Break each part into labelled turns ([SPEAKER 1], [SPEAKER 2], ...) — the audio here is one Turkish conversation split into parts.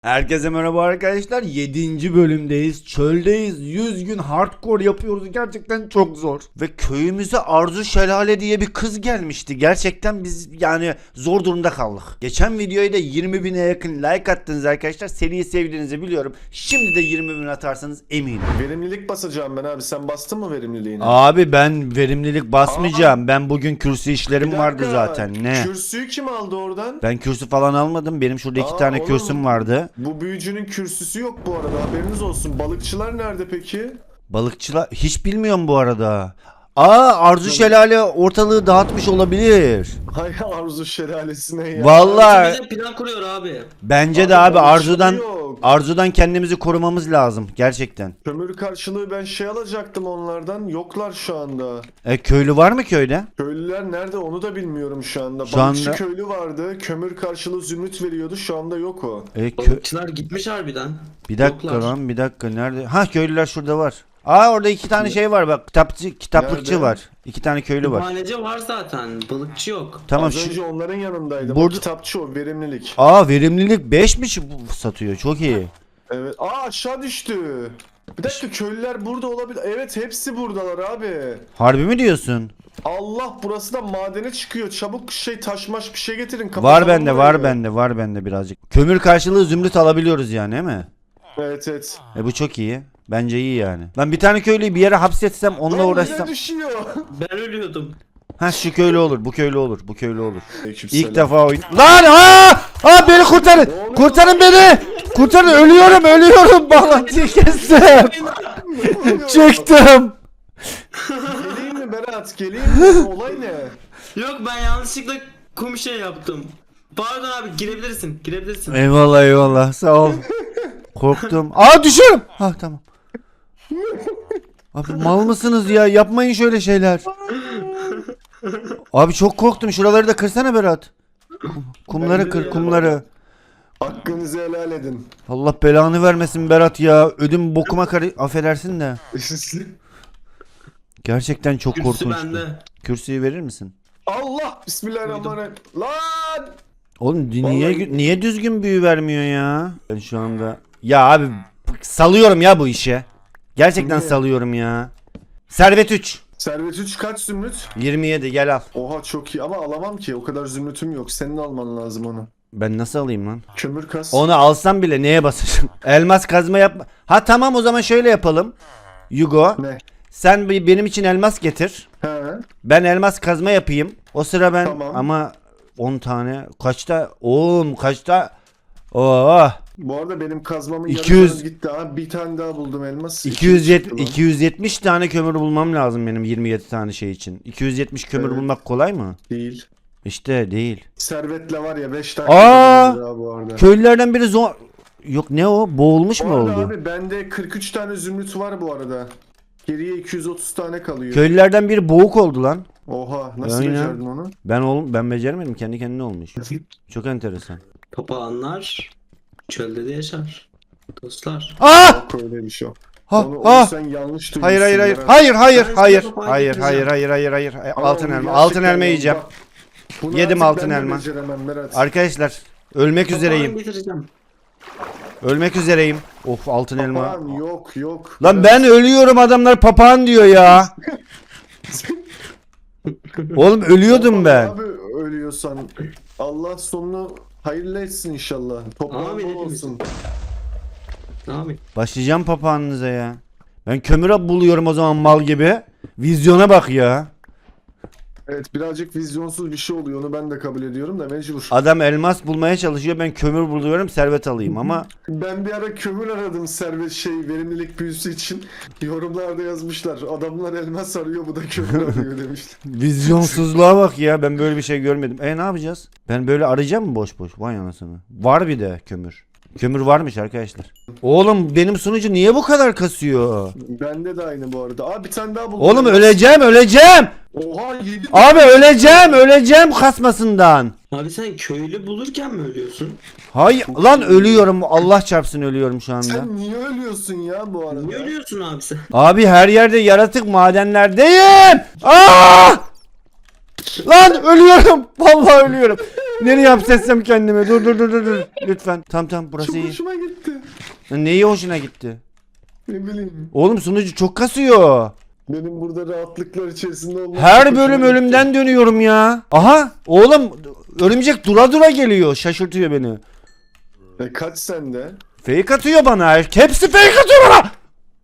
[SPEAKER 1] Herkese merhaba arkadaşlar. 7. bölümdeyiz. Çöldeyiz. 100 gün hardcore yapıyoruz. Gerçekten çok zor. Ve köyümüze Arzu Şelale diye bir kız gelmişti. Gerçekten biz yani zor durumda kaldık. Geçen videoya da 20.000'e yakın like attınız arkadaşlar. Seriyi sevdiğinizi biliyorum. Şimdi de 20.000 atarsanız eminim.
[SPEAKER 2] Verimlilik basacağım ben abi. Sen bastın mı verimliliğini?
[SPEAKER 1] Abi ben verimlilik basmayacağım. Ben bugün kürsü işlerim
[SPEAKER 2] Bir
[SPEAKER 1] vardı
[SPEAKER 2] dakika,
[SPEAKER 1] zaten. Ne?
[SPEAKER 2] Kürsüyü kim aldı oradan?
[SPEAKER 1] Ben kürsü falan almadım. Benim şurada 2 tane
[SPEAKER 2] oğlum,
[SPEAKER 1] kürsüm vardı.
[SPEAKER 2] Bu büyücünün kürsüsü yok bu arada. Haberiniz olsun. Balıkçılar nerede peki?
[SPEAKER 1] Balıkçılar hiç bilmiyorum bu arada. Arzu Şelale ortalığı dağıtmış olabilir.
[SPEAKER 2] Hay Arzu şelalesine ya.
[SPEAKER 1] Vallahi
[SPEAKER 3] Bize plan kuruyor abi.
[SPEAKER 1] bence de abi
[SPEAKER 2] balıkçı
[SPEAKER 1] Arzu'dan
[SPEAKER 2] yok.
[SPEAKER 1] Arzu'dan kendimizi korumamız lazım gerçekten.
[SPEAKER 2] Kömür karşılığı ben şey alacaktım onlardan. Yoklar şu anda.
[SPEAKER 1] Köylü var mı köyde?
[SPEAKER 2] Köylüler nerede onu da bilmiyorum şu anda.
[SPEAKER 1] Şu
[SPEAKER 2] Balıkçı
[SPEAKER 1] anda-
[SPEAKER 2] köylü vardı. Kömür karşılığı zümrüt veriyordu. Şu anda yok o.
[SPEAKER 3] Balıkçılar gitmiş harbiden.
[SPEAKER 1] Bir dakika
[SPEAKER 3] Yoklar.
[SPEAKER 1] lan bir dakika nerede? Ha köylüler şurada var. Orada 2 tane şey var bak kitaplıkçı
[SPEAKER 2] Nerede?
[SPEAKER 1] var. 2 tane köylü var.
[SPEAKER 3] Kütüphaneci var zaten. Balıkçı yok.
[SPEAKER 1] Tamam
[SPEAKER 2] Az önce onların yanındaydım.
[SPEAKER 1] Burada-
[SPEAKER 2] O kitapçı o verimlilik.
[SPEAKER 1] Verimlilik 5 mi satıyor? Çok iyi.
[SPEAKER 2] Evet. Aşağı düştü. Bir dakika köylüler burada olabilir. Evet hepsi buradalar abi.
[SPEAKER 1] Harbi mi diyorsun?
[SPEAKER 2] Allah burası da madene çıkıyor. Çabuk taşmaş bir şey getirin.
[SPEAKER 1] Var
[SPEAKER 2] Kapatalım
[SPEAKER 1] bende
[SPEAKER 2] burayı.
[SPEAKER 1] var bende birazcık. Kömür karşılığı zümrüt alabiliyoruz yani değil mi?
[SPEAKER 2] Evet.
[SPEAKER 1] Bu çok iyi. Bence iyi yani. Ben bir tane köylüyü bir yere hapsetsem onunla
[SPEAKER 2] Lan
[SPEAKER 1] uğraşsam.
[SPEAKER 2] yine düşüyor.
[SPEAKER 3] Ben ölüyordum.
[SPEAKER 1] Ha şu köylü olur, bu köylü olur, bu köylü olur.
[SPEAKER 2] Aleykümselam.
[SPEAKER 1] İlk defa oyun. Lan beni kurtarın. Kurtarın beni. Kurtarın ölüyorum. Bağlantıyı kestim. Çıktım.
[SPEAKER 2] Geleyim mi Berat? Geleyim mi? Olay ne?
[SPEAKER 3] Yok ben yanlışlıkla kum şey yaptım. Pardon abi girebilirsin.
[SPEAKER 1] Eyvallah sağ ol. Korktum. Düşüyorum. Tamam. Abi mal mısınız ya? Yapmayın şöyle şeyler. Abi çok korktum. Şuraları da kırsana Berat. Kumları
[SPEAKER 2] Bence de
[SPEAKER 1] kır,
[SPEAKER 2] ya.
[SPEAKER 1] kumları.
[SPEAKER 2] Hakkınızı helal edin.
[SPEAKER 1] Allah belanı vermesin Berat ya. Ödüm bokuma affedersin de. Gerçekten çok
[SPEAKER 3] Kürsü
[SPEAKER 1] korkunçtu.
[SPEAKER 3] bende.
[SPEAKER 1] Kürsüyü verir misin?
[SPEAKER 2] Allah bismillahirrahmanirrahim. Lan!
[SPEAKER 1] Oğlum
[SPEAKER 2] Vallahi-
[SPEAKER 1] niye düzgün büyü vermiyor ya? Ben şu anda ya abi salıyorum ya bu işe. Gerçekten
[SPEAKER 2] Niye?
[SPEAKER 1] salıyorum ya. Servet 3
[SPEAKER 2] Servet 3 kaç zümrüt?
[SPEAKER 1] 27 gel al.
[SPEAKER 2] Oha çok iyi ama alamam ki. O kadar zümrütüm yok. Senin alman lazım onu.
[SPEAKER 1] Ben nasıl alayım lan?
[SPEAKER 2] Kömür kas.
[SPEAKER 1] Onu alsam bile neye basacağım? Elmas kazma yapma. Ha tamam o zaman şöyle yapalım. Yugo
[SPEAKER 2] Ne?
[SPEAKER 1] sen benim için elmas getir.
[SPEAKER 2] He.
[SPEAKER 1] Ben elmas kazma yapayım. O sıra ben
[SPEAKER 2] Tamam.
[SPEAKER 1] ama 10 tane kaçta? Oğlum kaçta? Oh.
[SPEAKER 2] Bu arada benim kazmamın
[SPEAKER 1] 200
[SPEAKER 2] yarısı gitti ha. Bir tane daha buldum elmas.
[SPEAKER 1] 270 tane kömür bulmam lazım benim 27 tane şey için. 270 kömür
[SPEAKER 2] Evet.
[SPEAKER 1] bulmak kolay mı?
[SPEAKER 2] Değil.
[SPEAKER 1] İşte değil.
[SPEAKER 2] Servetle var ya 5 tane
[SPEAKER 1] Aa!
[SPEAKER 2] kömür bu arada.
[SPEAKER 1] Köylülerden biri Yok ne o? Boğulmuş
[SPEAKER 2] Bu
[SPEAKER 1] mu
[SPEAKER 2] arada
[SPEAKER 1] oldu?
[SPEAKER 2] abi bende 43 tane zümrüt var bu arada. Geriye 230 tane kalıyor.
[SPEAKER 1] Köylülerden biri boğuk oldu lan.
[SPEAKER 2] Oha nasıl
[SPEAKER 1] Aynen.
[SPEAKER 2] becerdin onu?
[SPEAKER 1] Ben beceremedim. Kendi kendine olmuş. Çok enteresan.
[SPEAKER 3] Papağanlar çölde de yaşar. Dostlar.
[SPEAKER 2] Yok öyle bir şey.
[SPEAKER 1] Ha,
[SPEAKER 2] Onu sen yanlış duymuşsun.
[SPEAKER 1] Hayır.
[SPEAKER 2] Berat.
[SPEAKER 1] Hayır.
[SPEAKER 3] Ben
[SPEAKER 1] Hayır.
[SPEAKER 3] size
[SPEAKER 1] Hayır.
[SPEAKER 3] papağan
[SPEAKER 1] Hayır.
[SPEAKER 2] Ama
[SPEAKER 1] Altın
[SPEAKER 2] onu
[SPEAKER 1] elma.
[SPEAKER 2] gerçekten
[SPEAKER 1] Altın elma
[SPEAKER 2] ya,
[SPEAKER 1] yiyeceğim.
[SPEAKER 2] bak, bunu
[SPEAKER 1] Yedim
[SPEAKER 2] artık
[SPEAKER 1] altın
[SPEAKER 2] ben de
[SPEAKER 1] elma.
[SPEAKER 2] beceremem Berat.
[SPEAKER 1] Arkadaşlar ölmek
[SPEAKER 3] Papağan
[SPEAKER 1] üzereyim.
[SPEAKER 3] getireceğim.
[SPEAKER 1] Ölmek üzereyim. Of altın elma.
[SPEAKER 2] Papağan yok.
[SPEAKER 1] Lan ben ölüyorum adamlar papağan diyor ya. Oğlum ölüyordum ben.
[SPEAKER 2] Abi ölüyorsan Allah sonunu hayırlı etsin inşallah. Toprağın
[SPEAKER 3] Amin
[SPEAKER 2] bol
[SPEAKER 3] hepimiz.
[SPEAKER 2] olsun.
[SPEAKER 3] Ne yapayım?
[SPEAKER 1] Başlayacağım papağanınıza ya. Ben kömüre buluyorum o zaman mal gibi. Vizyona bak ya.
[SPEAKER 2] Evet birazcık vizyonsuz bir şey oluyor onu ben de kabul ediyorum da mecbur.
[SPEAKER 1] Adam elmas bulmaya çalışıyor. Ben kömür buluyorum servet alayım ama
[SPEAKER 2] Ben bir ara kömür aradım verimlilik büyüsü için. Yorumlarda yazmışlar. Adamlar elmas arıyor bu da kömür arıyor demişler.
[SPEAKER 1] vizyonsuzluğa bak ya. Ben böyle bir şey görmedim. Ne yapacağız? Ben böyle arayacağım mı boş boş? Vay anasını. Var bir de kömür. Kömür varmış arkadaşlar. Oğlum benim sunucu niye bu kadar kasıyor?
[SPEAKER 2] Bende de aynı bu arada. Aa bir tane daha buldum.
[SPEAKER 1] Oğlum öleceğim.
[SPEAKER 2] Oha 7.
[SPEAKER 1] Abi öleceğim kasmasından.
[SPEAKER 3] Abi sen köylü bulurken mi ölüyorsun?
[SPEAKER 1] Hayır lan ölüyorum. Allah çarpsın ölüyorum şu anda.
[SPEAKER 2] Sen niye ölüyorsun ya bu arada?
[SPEAKER 3] Niye ölüyorsun abi sen?
[SPEAKER 1] Abi her yerde yaratık madenlerdeyim. Aa! Lan ölüyorum. Vallahi ölüyorum. Nereye hapsetsem kendimi? Dur. Lütfen. Tamam burası
[SPEAKER 2] Çok
[SPEAKER 1] iyi.
[SPEAKER 2] hoşuma gitti.
[SPEAKER 1] Neyi hoşuna gitti?
[SPEAKER 2] Ne bileyim.
[SPEAKER 1] Oğlum sunucu çok kasıyor.
[SPEAKER 2] Benim burada rahatlıklar içerisinde olmam
[SPEAKER 1] Her
[SPEAKER 2] çok
[SPEAKER 1] bölüm
[SPEAKER 2] hoşuma gitti.
[SPEAKER 1] ölümden dönüyorum ya. Aha oğlum örümcek dura geliyor. Şaşırtıyor beni.
[SPEAKER 2] Kaç sende?
[SPEAKER 1] Fake atıyor bana. Hepsi fake atıyor bana.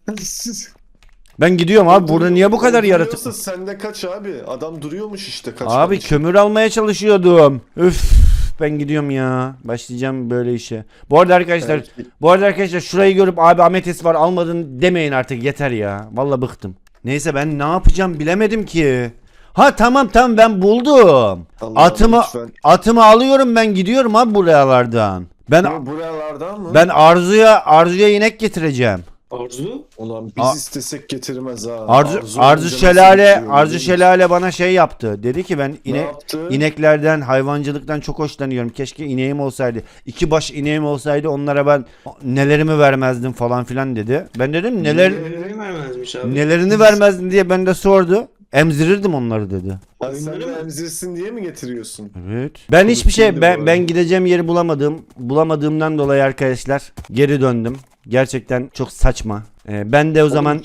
[SPEAKER 1] Ben gidiyorum abi. Burada niye bu kadar yaratık?
[SPEAKER 2] Duruyorsa sende kaç abi? Adam duruyormuş işte kaç.
[SPEAKER 1] Abi kömür almaya çalışıyordum. Üf. Ben gidiyorum ya. Başlayacağım böyle işe. Bu arada arkadaşlar şurayı görüp abi ametis var almadın demeyin artık yeter ya. Vallahi bıktım. Neyse ben ne yapacağım bilemedim ki. Ha tamam ben buldum.
[SPEAKER 2] Allah'ım lütfen.
[SPEAKER 1] Atımı alıyorum ben gidiyorum abi buralardan.
[SPEAKER 2] Buralardan mı?
[SPEAKER 1] Ben Arzu'ya inek getireceğim.
[SPEAKER 3] Arzu?
[SPEAKER 2] Ulan biz istesek getirmez ha.
[SPEAKER 1] Arzu
[SPEAKER 2] olunca
[SPEAKER 1] Şelale
[SPEAKER 2] nasıl bitiyor,
[SPEAKER 1] Şelale bana şey yaptı. Dedi ki ben
[SPEAKER 2] Ne yaptı?
[SPEAKER 1] ineklerden, hayvancılıktan çok hoşlanıyorum. Keşke ineğim olsaydı. 2 baş ineğim olsaydı onlara ben nelerimi vermezdim falan filan dedi. Ben dedim
[SPEAKER 3] Neleri vermezmiş abi.
[SPEAKER 1] nelerini vermezdin diye ben de sordu. Emzirirdim onları dedi.
[SPEAKER 2] Ha, sen
[SPEAKER 3] Oyunları
[SPEAKER 2] de
[SPEAKER 3] mı?
[SPEAKER 2] emzirsin diye mi getiriyorsun?
[SPEAKER 1] Evet. Ben hiçbir şey
[SPEAKER 2] Konuşuldu bu arada.
[SPEAKER 1] ben gideceğim yeri bulamadığımdan dolayı arkadaşlar geri döndüm. Gerçekten çok saçma. Ben de o zaman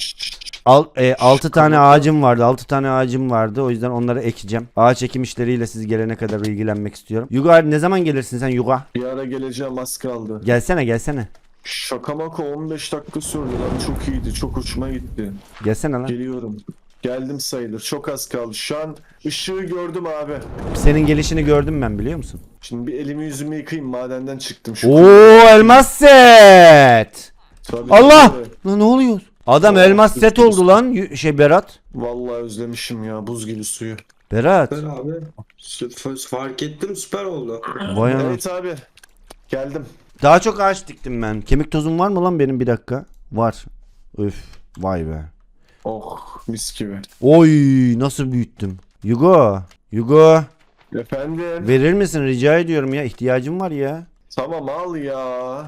[SPEAKER 1] 6 tane ağacım vardı. 6 tane ağacım vardı. O yüzden onları ekeceğim. Ağaç ekim işleriyle siz gelene kadar ilgilenmek istiyorum. Yuga ne zaman gelirsin sen Yuga?
[SPEAKER 2] Bir ara geleceğim az kaldı.
[SPEAKER 1] Gelsene.
[SPEAKER 2] Şaka maka 15 dakika sürdü lan. Çok iyiydi. Çok hoşuma gitti.
[SPEAKER 1] Gelsene lan.
[SPEAKER 2] Geliyorum. Geldim sayılır. Çok az kaldı. Şu an ışığı gördüm abi.
[SPEAKER 1] Senin gelişini gördüm ben biliyor musun?
[SPEAKER 2] Şimdi bir elimi yüzümü yıkayayım. Madenden çıktım. Şu
[SPEAKER 1] Oo elmas set.
[SPEAKER 2] Tabii,
[SPEAKER 1] Allah!
[SPEAKER 2] tabii.
[SPEAKER 1] Lan ne oluyor? Adam elmas set oldu lan Berat.
[SPEAKER 2] Vallahi özlemişim ya buz gibi suyu.
[SPEAKER 1] Berat.
[SPEAKER 3] Süper abi. Fark ettim süper oldu.
[SPEAKER 1] Vay ana.
[SPEAKER 2] Evet abi. Geldim.
[SPEAKER 1] Daha çok ağaç diktim ben. Kemik tozum var mı lan benim bir dakika? Var. Üf. Vay be.
[SPEAKER 2] Oh mis gibi.
[SPEAKER 1] Oy nasıl büyüttüm. Yugo
[SPEAKER 2] Efendim.
[SPEAKER 1] verir misin rica ediyorum ya ihtiyacım var ya.
[SPEAKER 2] Tamam al ya.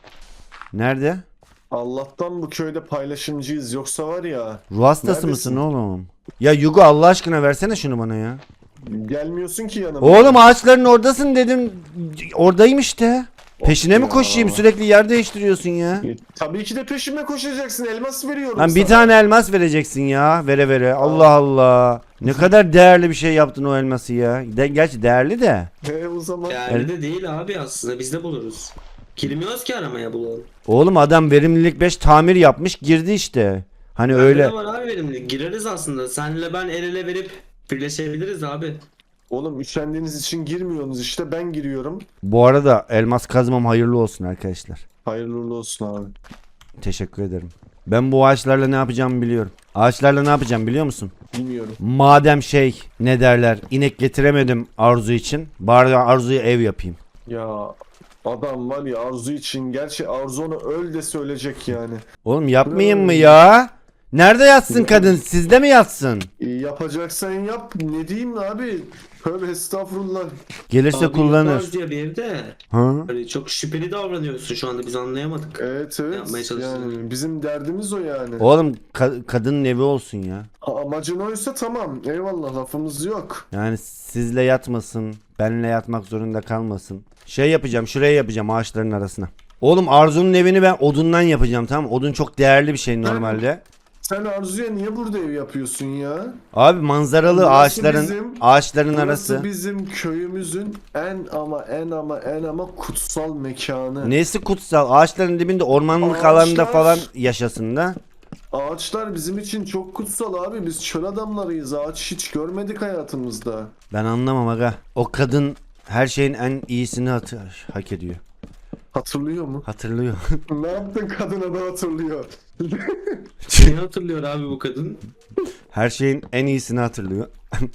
[SPEAKER 1] Nerede?
[SPEAKER 2] Allah'tan bu köyde paylaşımcıyız. Yoksa var ya.
[SPEAKER 1] Ruh hastası
[SPEAKER 2] Neredesin?
[SPEAKER 1] mısın oğlum? Ya Yugo Allah aşkına versene şunu bana ya.
[SPEAKER 2] Gelmiyorsun ki yanıma.
[SPEAKER 1] Oğlum ağaçların oradasın dedim. Oradayım işte. Peşine mi
[SPEAKER 2] ya.
[SPEAKER 1] koşayım sürekli yer değiştiriyorsun ya.
[SPEAKER 2] Tabii ki de peşime koşacaksın. Elmas veriyorum
[SPEAKER 1] Lan bir
[SPEAKER 2] sana.
[SPEAKER 1] tane elmas vereceksin ya. Vere. Allah Allah. Ne kadar değerli bir şey yaptın o elması ya. Gerçi değerli de.
[SPEAKER 2] O zaman.
[SPEAKER 3] Değerli de değil abi aslında biz de buluruz. Girmiyoruz ki aramaya bulalım.
[SPEAKER 1] Oğlum adam verimlilik 5 tamir yapmış girdi işte. Hani öyle.
[SPEAKER 3] Bende de var abi verimli. Gireriz aslında. Senle ben el ele verip birleşebiliriz abi.
[SPEAKER 2] Oğlum üşendiğiniz için girmiyorsunuz işte ben giriyorum.
[SPEAKER 1] Bu arada elmas kazmam hayırlı olsun arkadaşlar.
[SPEAKER 2] Hayırlı uğurlu olsun abi.
[SPEAKER 1] Teşekkür ederim. Ben bu ağaçlarla ne yapacağımı biliyorum. Ağaçlarla ne yapacağım biliyor musun?
[SPEAKER 2] Bilmiyorum.
[SPEAKER 1] Madem ne derler inek getiremedim Arzu için. Bari Arzu'ya ev yapayım.
[SPEAKER 2] Ya adam var ya Arzu için. Gerçi Arzu onu öl de söyleyecek yani.
[SPEAKER 1] Oğlum yapmayayım mı ya? Nerede yatsın kadın? Sizde mi yatsın?
[SPEAKER 2] Yapacaksan yap. Ne diyeyim abi? Tövbe estağfurullah.
[SPEAKER 1] Gelirse
[SPEAKER 3] Abi
[SPEAKER 1] kullanır.
[SPEAKER 3] yaparız diye bir evde.
[SPEAKER 1] Ha?
[SPEAKER 3] Hani çok şüpheli davranıyorsun şu anda biz anlayamadık.
[SPEAKER 2] Evet
[SPEAKER 3] Yapmaya
[SPEAKER 2] evet.
[SPEAKER 3] çalışsın.
[SPEAKER 2] Yani bizim derdimiz o yani.
[SPEAKER 1] Oğlum kadının evi olsun ya.
[SPEAKER 2] Amacın oysa tamam. Eyvallah lafımız yok.
[SPEAKER 1] Yani sizle yatmasın. Benle yatmak zorunda kalmasın. Şey yapacağım şuraya yapacağım ağaçların arasına. Oğlum Arzu'nun evini ben odundan yapacağım tamam mı? Odun çok değerli bir şey normalde.
[SPEAKER 2] Sen Arzu'ya niye burada ev yapıyorsun ya?
[SPEAKER 1] Abi manzaralı
[SPEAKER 2] Burası
[SPEAKER 1] ağaçların
[SPEAKER 2] Burası
[SPEAKER 1] arası.
[SPEAKER 2] bizim köyümüzün en ama kutsal mekanı.
[SPEAKER 1] Nesi kutsal? Ağaçların dibinde ormanlık
[SPEAKER 2] Ağaçlar-
[SPEAKER 1] alanda falan yaşasın da.
[SPEAKER 2] Ağaçlar bizim için çok kutsal abi. Biz çöl adamlarıyız. Ağaç hiç görmedik hayatımızda.
[SPEAKER 1] Ben anlamam aga. O kadın her şeyin en iyisini hak ediyor.
[SPEAKER 2] Hatırlıyor mu?
[SPEAKER 1] Hatırlıyor.
[SPEAKER 2] Ne yaptın kadına da hatırlıyor.
[SPEAKER 3] Ne hatırlıyor abi bu kadın?
[SPEAKER 1] Her şeyin en iyisini hatırlıyor.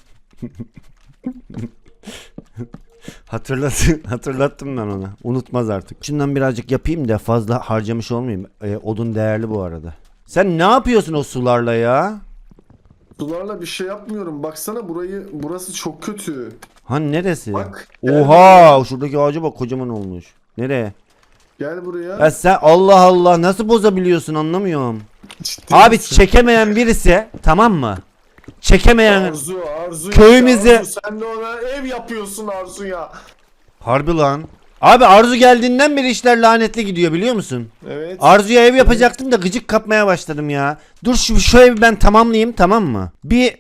[SPEAKER 1] Hatırlattım ben ona. Unutmaz artık. Şundan birazcık yapayım da fazla harcamış olmayayım. Odun değerli bu arada. Sen ne yapıyorsun o sularla ya?
[SPEAKER 2] Sularla bir şey yapmıyorum. Baksana burası çok kötü.
[SPEAKER 1] Hani neresi?
[SPEAKER 2] Bak.
[SPEAKER 1] Oha, şuradaki ağaca bak kocaman olmuş. Nereye?
[SPEAKER 2] Gel buraya.
[SPEAKER 1] Ya sen Allah Allah nasıl bozabiliyorsun anlamıyorum.
[SPEAKER 2] Ciddi
[SPEAKER 1] Abi
[SPEAKER 2] misin?
[SPEAKER 1] çekemeyen birisi tamam mı? Çekemeyen
[SPEAKER 2] Arzu
[SPEAKER 1] Köyümüzü-
[SPEAKER 2] işte, Arzu, sen de ona ev yapıyorsun Arzu ya.
[SPEAKER 1] harbi lan. Abi Arzu geldiğinden beri işler lanetli gidiyor biliyor musun?
[SPEAKER 2] Evet.
[SPEAKER 1] Arzu'ya ev yapacaktım da gıcık kapmaya başladım ya. Dur şu evi ben tamamlayayım, tamam mı? Bir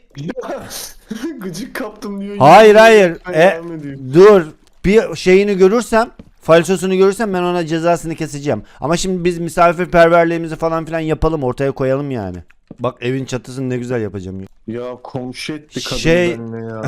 [SPEAKER 2] Gıcık kaptım diyor.
[SPEAKER 1] hayır hayır.
[SPEAKER 2] Devam ediyor.
[SPEAKER 1] Dur. Bir şeyini görürsem, falsosunu görürsem ben ona cezasını keseceğim. Ama şimdi biz misafirperverliğimizi falan filan yapalım, ortaya koyalım yani. Bak evin çatısını ne güzel yapacağım.
[SPEAKER 2] Ya komşu etti kadın
[SPEAKER 1] Şey-
[SPEAKER 2] benimle ya.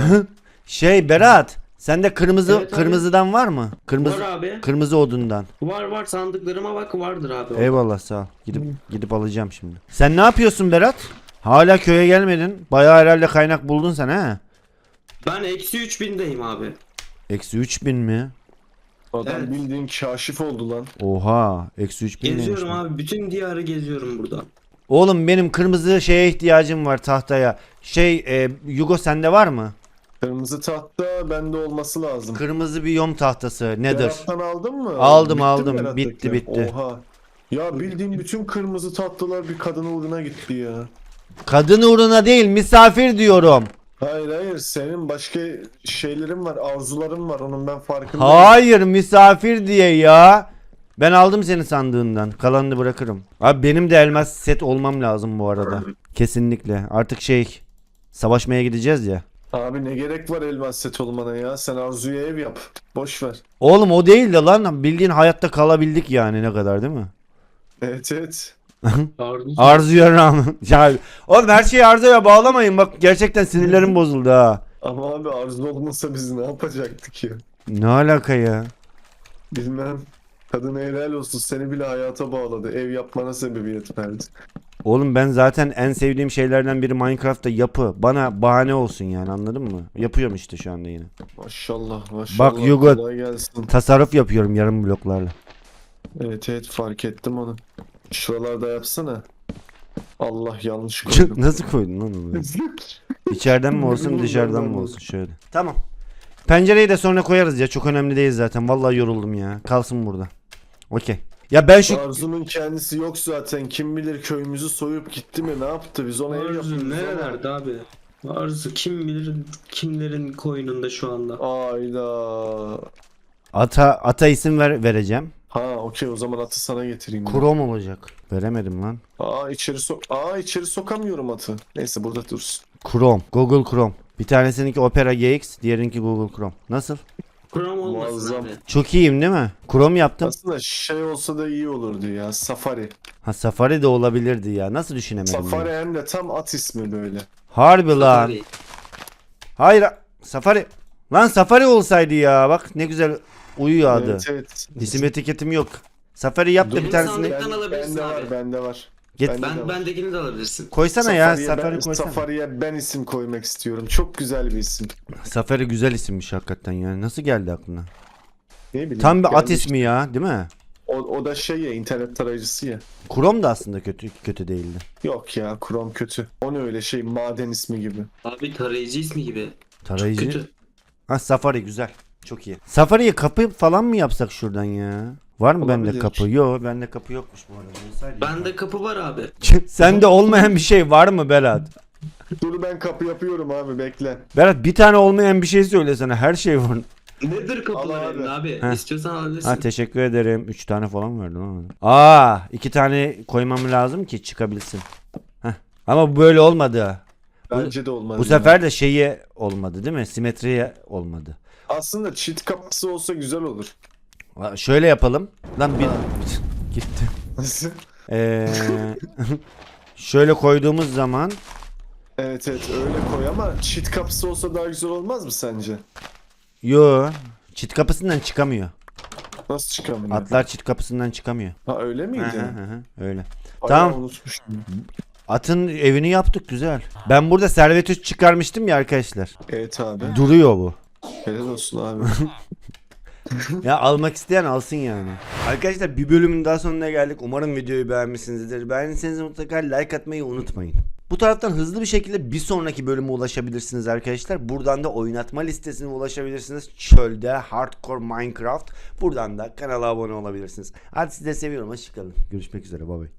[SPEAKER 1] Berat, sende kırmızı
[SPEAKER 3] Evet abi.
[SPEAKER 1] kırmızıdan var mı? Kırmızı
[SPEAKER 3] Var abi.
[SPEAKER 1] kırmızı odundan.
[SPEAKER 3] Var sandıklarıma bak, vardır abi.
[SPEAKER 1] Eyvallah sağ ol. Gidip alacağım şimdi. Sen ne yapıyorsun Berat? Hala köye gelmedin. Bayağı herhalde kaynak buldun sen ha.
[SPEAKER 3] Ben eksi 3000'deyim abi.
[SPEAKER 1] Eksi 3000 mi?
[SPEAKER 2] Adam
[SPEAKER 3] Evet.
[SPEAKER 2] bildiğin kaşif oldu lan.
[SPEAKER 1] Oha. Eksi 3000 neymiş
[SPEAKER 3] Geziyorum
[SPEAKER 1] lan?
[SPEAKER 3] abi. Bütün diyarı geziyorum burada.
[SPEAKER 1] Oğlum benim kırmızı şeye ihtiyacım var, tahtaya. Yugo sende var mı?
[SPEAKER 2] Kırmızı tahta bende olması lazım.
[SPEAKER 1] Kırmızı bir yom tahtası. Nedir?
[SPEAKER 2] Berat'tan aldın mı?
[SPEAKER 1] Aldım,
[SPEAKER 2] Bitti
[SPEAKER 1] aldım.
[SPEAKER 2] mi Berat'taki?
[SPEAKER 1] Bitti.
[SPEAKER 2] Oha. Ya bildiğin bütün kırmızı tahtalar bir kadın uğruna gitti ya.
[SPEAKER 1] Kadın uğruna değil, misafir diyorum.
[SPEAKER 2] Hayır senin başka şeylerin var, arzuların var, onun ben farkındayım.
[SPEAKER 1] Hayır, misafir diye ya. Ben aldım senin sandığından. Kalanını bırakırım. Abi benim de elmas set olmam lazım bu arada. Kesinlikle. Artık savaşmaya gideceğiz ya.
[SPEAKER 2] Abi ne gerek var elmas set olmana ya, sen Arzu'ya ev yap. Boş ver.
[SPEAKER 1] Oğlum o değil de lan, bildiğin hayatta kalabildik yani, ne kadar değil mi?
[SPEAKER 2] Evet.
[SPEAKER 1] Arzuya rağmen. Ya oğlum her şeyi Arzu'ya bağlamayın, bak gerçekten sinirlerim bozuldu ha.
[SPEAKER 2] Ama abi Arzu olmasa biz ne yapacaktık ya?
[SPEAKER 1] Ne alaka ya?
[SPEAKER 2] Bilmem. Kadın helal olsun, seni bile hayata bağladı. Ev yapmana sebebiyet verdi.
[SPEAKER 1] Oğlum ben zaten en sevdiğim şeylerden biri Minecraft'ta yapı. Bana bahane olsun yani, anladın mı? Yapıyorum işte şu anda yine.
[SPEAKER 2] Maşallah maşallah.
[SPEAKER 1] Bak Yugo-
[SPEAKER 2] Kolay gelsin.
[SPEAKER 1] Tasarruf yapıyorum yarım bloklarla.
[SPEAKER 2] Evet fark ettim onu. Şuralarda yapsana. Allah yanlış koydum.
[SPEAKER 1] Nasıl koydun lan onu? İçeriden mi olsun dışarıdan mı olsun şöyle. Tamam. Pencereyi de sonra koyarız ya, çok önemli değil zaten. Vallahi yoruldum ya. Kalsın burada. Okey. Ya ben şu
[SPEAKER 2] Arzu'nun kendisi yok zaten. Kim bilir köyümüzü soyup gitti mi, ne yaptı? Biz ona ev
[SPEAKER 3] Arzu
[SPEAKER 2] yapıyoruz ama.
[SPEAKER 3] nerelerde abi? Arzu kim bilir kimlerin koynunda şu anda.
[SPEAKER 2] Ayda.
[SPEAKER 1] ata isim vereceğim.
[SPEAKER 2] Ha okey, o zaman atı sana getireyim. ben.
[SPEAKER 1] Chrome olacak. Veremedim lan.
[SPEAKER 2] içeri sokamıyorum atı. Neyse burada dursun.
[SPEAKER 1] Chrome. Google Chrome. Bir tanesininki Opera GX, diğerinki Google Chrome. Nasıl?
[SPEAKER 3] Chrome olmasın
[SPEAKER 2] Muazzam.
[SPEAKER 3] abi.
[SPEAKER 1] Çok iyiyim değil mi? Chrome yaptım.
[SPEAKER 2] Aslında şey olsa da iyi olurdu ya. Safari.
[SPEAKER 1] Ha, Safari de olabilirdi ya. Nasıl düşünemedim
[SPEAKER 2] Safari
[SPEAKER 1] ya?
[SPEAKER 2] hem de tam at ismi böyle.
[SPEAKER 1] Harbi lan.
[SPEAKER 3] Tabii.
[SPEAKER 1] Hayır. Safari. Lan Safari olsaydı ya. Bak ne güzel uyuyor adı.
[SPEAKER 2] Evet.
[SPEAKER 1] İsim etiketim yok. Safari yap da
[SPEAKER 3] Benim
[SPEAKER 1] bir tanesini
[SPEAKER 3] sandıktan alabilirsin
[SPEAKER 2] Bende
[SPEAKER 3] abi.
[SPEAKER 2] var, bende var.
[SPEAKER 1] Get-
[SPEAKER 2] Bende de var.
[SPEAKER 3] Bendekini de alabilirsin.
[SPEAKER 1] koysana ya. Safari
[SPEAKER 2] ben,
[SPEAKER 1] koysana.
[SPEAKER 2] Safari'ye ben isim koymak istiyorum. Çok güzel bir isim.
[SPEAKER 1] Safari güzel isimmiş hakikaten yani. Nasıl geldi aklına?
[SPEAKER 2] Ne bileyim.
[SPEAKER 1] Tam bir at
[SPEAKER 2] gelmiş.
[SPEAKER 1] ismi ya, değil mi?
[SPEAKER 2] O da şey ya, internet tarayıcısı ya.
[SPEAKER 1] Chrome da aslında kötü değildi.
[SPEAKER 2] Yok ya, Chrome kötü. O ne öyle şey, maden ismi gibi.
[SPEAKER 3] Abi tarayıcı ismi gibi.
[SPEAKER 1] Tarayıcı.
[SPEAKER 3] Kötü.
[SPEAKER 1] Ha, Safari güzel. Çok iyi. Safari'ye kapı falan mı yapsak şuradan ya? Var mı bende
[SPEAKER 2] Olabilir.
[SPEAKER 1] kapı? Yok, bende kapı yokmuş bu arada. Olsaydı
[SPEAKER 3] Bende kapı var abi.
[SPEAKER 1] Sende olmayan bir şey var mı Berat?
[SPEAKER 2] Dur ben kapı yapıyorum abi, bekle.
[SPEAKER 1] Berat bir tane olmayan bir şey söylesene. Her şey var.
[SPEAKER 3] Nedir kapılar
[SPEAKER 2] Al abi.
[SPEAKER 3] elinde abi?
[SPEAKER 1] Heh.
[SPEAKER 3] İstiyorsan alabilirsin.
[SPEAKER 1] Ha, teşekkür ederim. 3 tane falan verdin ama. 2 tane koymam lazım ki çıkabilsin. Heh. Ama bu böyle olmadı.
[SPEAKER 2] Bence de olmaz.
[SPEAKER 1] Bu
[SPEAKER 2] ya.
[SPEAKER 1] sefer de şeyi olmadı değil mi? Simetriye olmadı.
[SPEAKER 2] Aslında çift kapısı olsa güzel olur.
[SPEAKER 1] Şöyle yapalım. Lan bir
[SPEAKER 2] Ha.
[SPEAKER 1] gitti. Şöyle koyduğumuz zaman
[SPEAKER 2] Evet öyle koy ama çift kapısı olsa daha güzel olmaz mı sence?
[SPEAKER 1] çit kapısından çıkamıyor.
[SPEAKER 2] Nasıl çıkamıyor?
[SPEAKER 1] Atlar çit kapısından çıkamıyor.
[SPEAKER 2] Ha öyle miydi?
[SPEAKER 1] Öyle.
[SPEAKER 2] Ay,
[SPEAKER 1] Tamam.
[SPEAKER 2] unutmuştum.
[SPEAKER 1] Atın evini yaptık güzel. Ben burada servet çıkarmıştım ya arkadaşlar.
[SPEAKER 2] Evet abi.
[SPEAKER 1] Duruyor bu.
[SPEAKER 2] Helal olsun abi.
[SPEAKER 1] Ya almak isteyen alsın yani. Arkadaşlar bir bölümün daha sonuna geldik. Umarım videoyu beğenmişsinizdir. Beğendiyseniz mutlaka like atmayı unutmayın. Bu taraftan hızlı bir şekilde bir sonraki bölüme ulaşabilirsiniz arkadaşlar. Buradan da oynatma listesine ulaşabilirsiniz. Çölde Hardcore Minecraft. Buradan da kanala abone olabilirsiniz. Hadi sizi de seviyorum. Hoşçakalın. Görüşmek üzere. Bye bye.